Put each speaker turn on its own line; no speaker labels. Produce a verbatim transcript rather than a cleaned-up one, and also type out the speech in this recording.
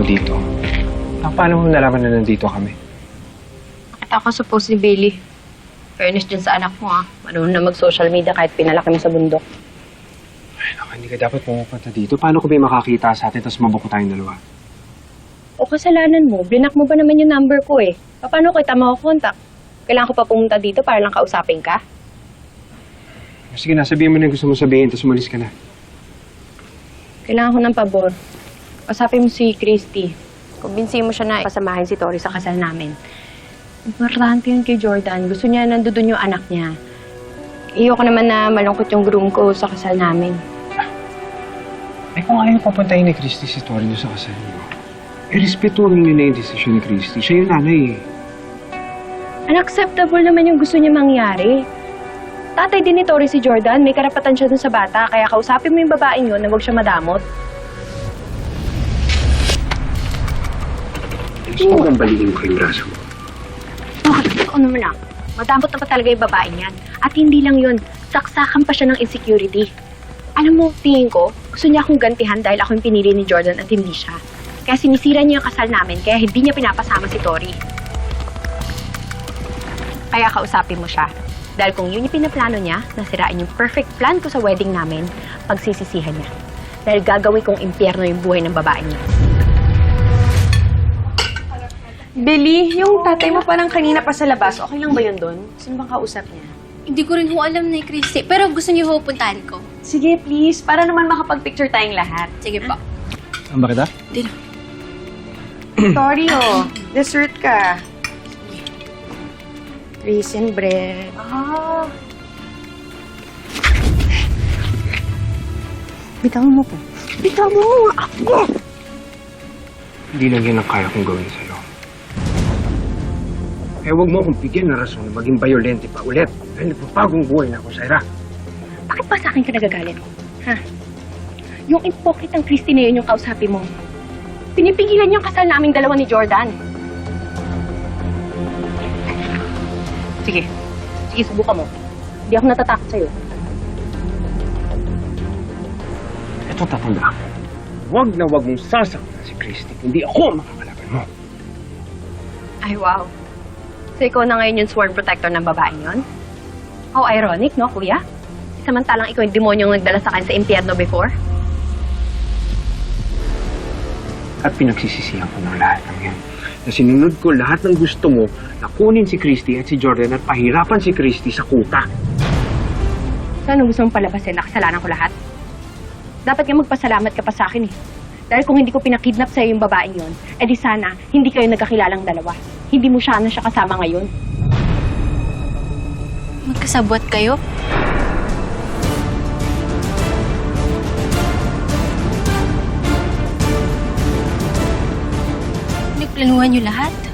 dito. Ah, paano mo nalaman na nandito kami?
Nakita ko sa post ni Bailey. Fairness dyan sa anak mo, ah. Marunong na mag-social media kahit pinalaki mo sa bundok.
Ay, naku, hindi ka dapat pumupunta dito. Paano ko ba makakita sa atin tapos mabuko tayong dalawa?
O kasalanan mo, blinak mo ba naman yung number ko eh? Paano kita makakontak? Kailangan ko pa pumunta dito para lang kausapin ka?
Sige na, sabihin mo na yung gusto mo sabihin tapos umalis ka na.
Kailangan ko ng pabor. Kausapin mo si Christy. Kumbinsihin mo siya na pasamahin si Tori sa kasal namin. Importante yun kay Jordan. Gusto niya nandun yung anak niya. Iyo ko naman na malungkot yung groom ko sa kasal namin.
Eh kung ayaw papuntahin ni Christy si Tori doon sa kasal niyo, eh respetuhin niyo na yung desisyon ni Christy. Siya yung nanay eh.
Unacceptable naman yung gusto niya mangyari. Tatay din ni Tori si Jordan. May karapatan siya dun sa bata. Kaya kausapin mo yung babaeng yun na huwag siya madamot.
Gusto mo bang balikin ko yung braso mo?
Okay, ako naman lang. Madamot na pa talaga yung babaeng yan. At hindi lang yun, saksakan pa siya ng insecurity. Alam mo, tingin ko, gusto niya akong gantihan dahil ako yung pinili ni Jordan at hindi siya. Kaya sinisira niya yung kasal namin, kaya hindi niya pinapasama si Tori. Kaya kausapin mo siya. Dahil kung yun yung pinaplano niya, nasirain yung perfect plan ko sa wedding namin, pagsisisihan niya. Dahil gagawin kong impyerno yung buhay ng babaeng niya.
Billy, yung tatay mo parang kanina pa sa labas. Okay lang ba yun doon? Sino bang kausap niya?
Hindi ko rin ho alam na Christy, pero gusto niyo ho puntahan ko.
Sige, please. Para naman makapag-picture tayong lahat.
Sige po.
Saan ba kita?
Dito.
Sorry, oh. Dessert ka.
Raisin bread.
Ah.
Bitawan mo po. Bitawan mo nga ako!
Hindi lang yan ang kaya kong gawin sa'yo. Eh, huwag mo akong bigyan na rason na maging violente pa ulit. Dahil nagpapagong buhay na ako, Syra.
Bakit ba sa akin ka nagagalit? Ha? Yung impokit ng Christy na yun yung kausapin mo. Pinipigilan yung kasal naming dalawa ni Jordan. Sige. Sige, subukan mo. Hindi ako natatakot sa'yo.
Ito tatanda ako. Huwag na huwag mong sasaktan si Christy. Hindi ako ang makakalaban mo.
Ay, wow. So, ikaw na ngayon yung sworn protector ng babaeng yun? How ironic, no, kuya? Samantalang ikaw yung demonyong nagdala sa akin sa impyerno before?
At pinagsisisihan ko ng lahat ng yan. Na sinunod ko lahat ng gusto mo na kunin si Christy at si Jordan at pahirapan si Christy sa kuta.
Saan gusto mong palabasin na kasalanan ko lahat? Dapat nga magpasalamat ka pa sa akin eh. Dahil kung hindi ko pinakidnap sa'yo yung babaeng yon, edi sana hindi kayo nagkakilalang dalawa. Hindi mo siya na siya kasama ngayon.
Magkasabwat kayo? Nagplanuhan niyo lahat?